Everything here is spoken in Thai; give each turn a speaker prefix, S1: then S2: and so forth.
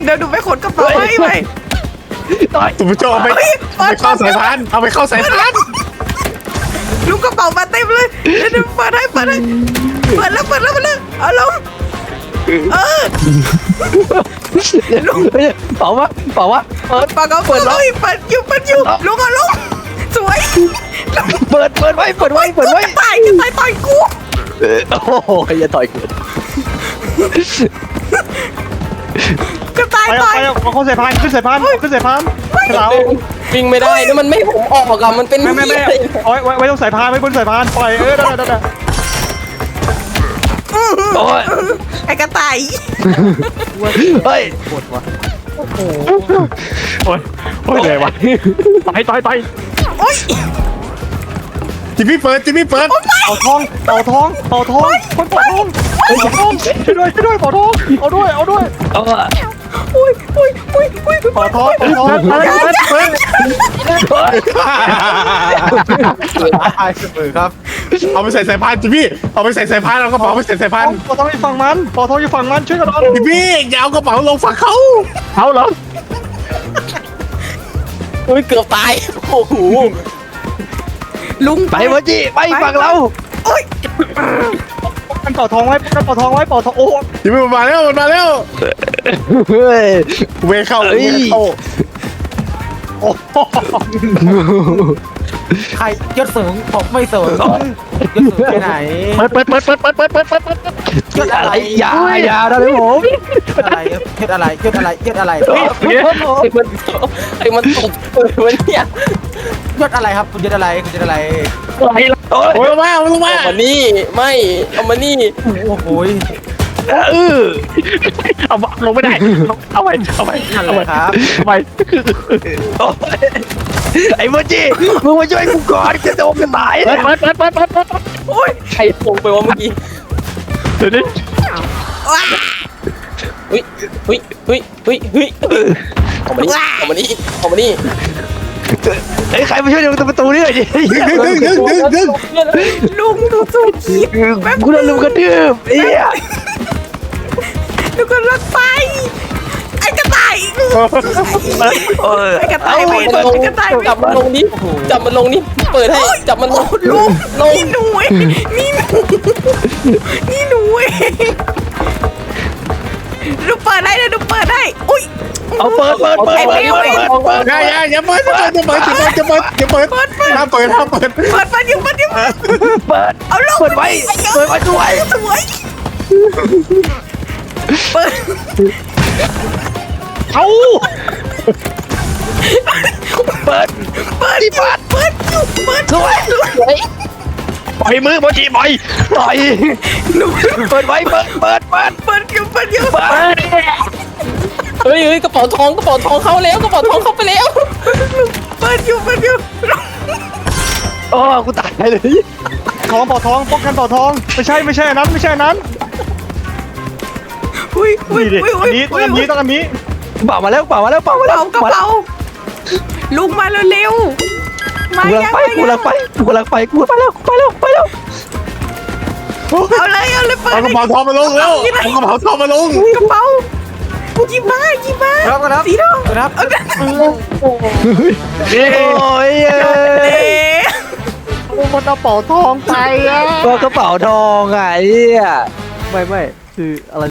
S1: เดี๋ยวดูไปขนกระเป๋าให้ไป
S2: สุภโชคเอาไปเข้าสายพานเอาไปเข้าสายพาน
S1: ลุงกระเป๋ามาเต็มเลยเดี๋ยวเปิดแล้วเอาลงลุง
S3: เปล่าวะเปิด
S1: เปิดเลยเปิดอยู่ลุงเอาลงสวย
S3: เปิดไว้
S1: กระต่ายต่อยกู
S3: โอ้โหอย่าต่อยกู
S1: กระต่าย
S4: ไป
S1: ต่อย
S4: เอาเข้าสายพานขึ้นสายพานขึ้นสายพานเรา
S5: วิ่งไม่ได้นี่มันไม่ผมออกอะมันเป็น
S4: ไม่ไว้ตรงสายพานไว้บนสายพานปล่อยได้
S3: โอ้ย
S1: ไอ้กระต่าย
S3: เฮ้ย
S4: โอ้ยเลยวะต่อย
S1: โอ๊ย
S2: จิมมี่เปิด
S4: เอาทองคนเป่าทองช่วยด้วยเป่าทองเอาด้วย
S3: เอา
S1: อุ้ย
S4: เป่าทอง
S2: เปิดครับเอาไปใส่สายพานจิมมี่เอาไปใส่สายพานเอากระเป๋าไปใส่สายพาน
S4: เป่าทองอยู่ฝั่งมันเป่าทองอยู่ฝั่งมันช่วยกันหน่อย
S2: จิมมี่อย่าเอากระเป๋าลงฝั่งเขา
S4: เอาเหรอ
S5: อุ้ยเกือบตายโอ้โห
S1: ลุง
S3: ไปวะจีไปฝั่งเรา
S1: โอ๊ย
S4: กันเป่าทองไว้เป่าทองโอ้
S2: จิมมี่มันมาแล้ว
S3: เฮ้ย
S2: เวเข้า
S4: โอ้
S6: ใครยศสูงผมไม่สูงยศสูงไปไหน
S3: เปิดยศอะไรอย่านะพี่ผม
S6: ยศอะไร
S5: ไอ้มันตบมันเนี่ย
S6: ยศอะไรครับคุณยศอะไร
S2: โอ้ยมา
S5: เอามานี่ไม่เอามานี่
S6: โอ้โห
S4: เอาลงไม่ได้เอาไป
S6: นั่นเลยครับ
S3: ไอ้วะจีมึงมาช่วยกูก่อนจะโดนกันตาย
S4: เปิด
S1: โอ๊ย
S5: ใครลงไปวะเมื่อกี้
S4: เดี๋ยวนี้
S1: ว้า
S5: เฮ้ยเอามานี่
S3: ไอ้ใครมาช่วยดึงประตูนี่หน่อยดิ
S2: ดึง
S1: ลุงดูสู้คิด
S3: กูโดนลุมกระทืบเอี้ย
S1: ดูกันรถไฟไอ้กระต่าย ไอ้กระต่ายเวทไอ้กระต่ายเวท
S5: จับมันลงนี่เปิดให้จับมันลง
S1: ลุง
S5: ลง
S1: นี่หนูเองนี่หนูเองดูเปิดได้เลยดูเปิดได้อุ้ย
S3: เอาเปิด
S2: อย่าเปิดห้ามเปิดห้ามเปิด
S3: เปิด
S1: เอาลง
S3: เปิดไว้ด้วย
S1: สวยเปิด
S4: เอา
S3: เปิด
S1: ด้วย
S3: ปล่อยมือโมจิปล่อยเปิดไว้เปิด
S1: เปิดอยู่
S5: เฮ้ยกระเป๋าทองเข้าแล้วกระเป๋าทองเข้าไปแล้ว
S1: เปิดอยู่
S3: โอ้กูตายเลย
S4: ทองเป่าทองป้องกันเป่าทองไม่ใช่อันนั้น
S1: อุ้ย
S4: นี่ดิอันนี้
S3: เป่ามาแล้ว
S1: กระเป๋าลุงมาเร็วๆมา
S3: กูลังไป
S1: เอาเลยเปิด
S2: เอากระเป๋าทองมาลงแล้วเอากระเป๋าทองมาลง
S1: กระเป๋าหยิบมา
S6: ครับ
S1: สีทอง
S6: ครับ
S3: โอ้ย
S4: มันเอาเป่าทองไปอ่ะ
S3: กระเป๋าทองไงไม่คืออะไร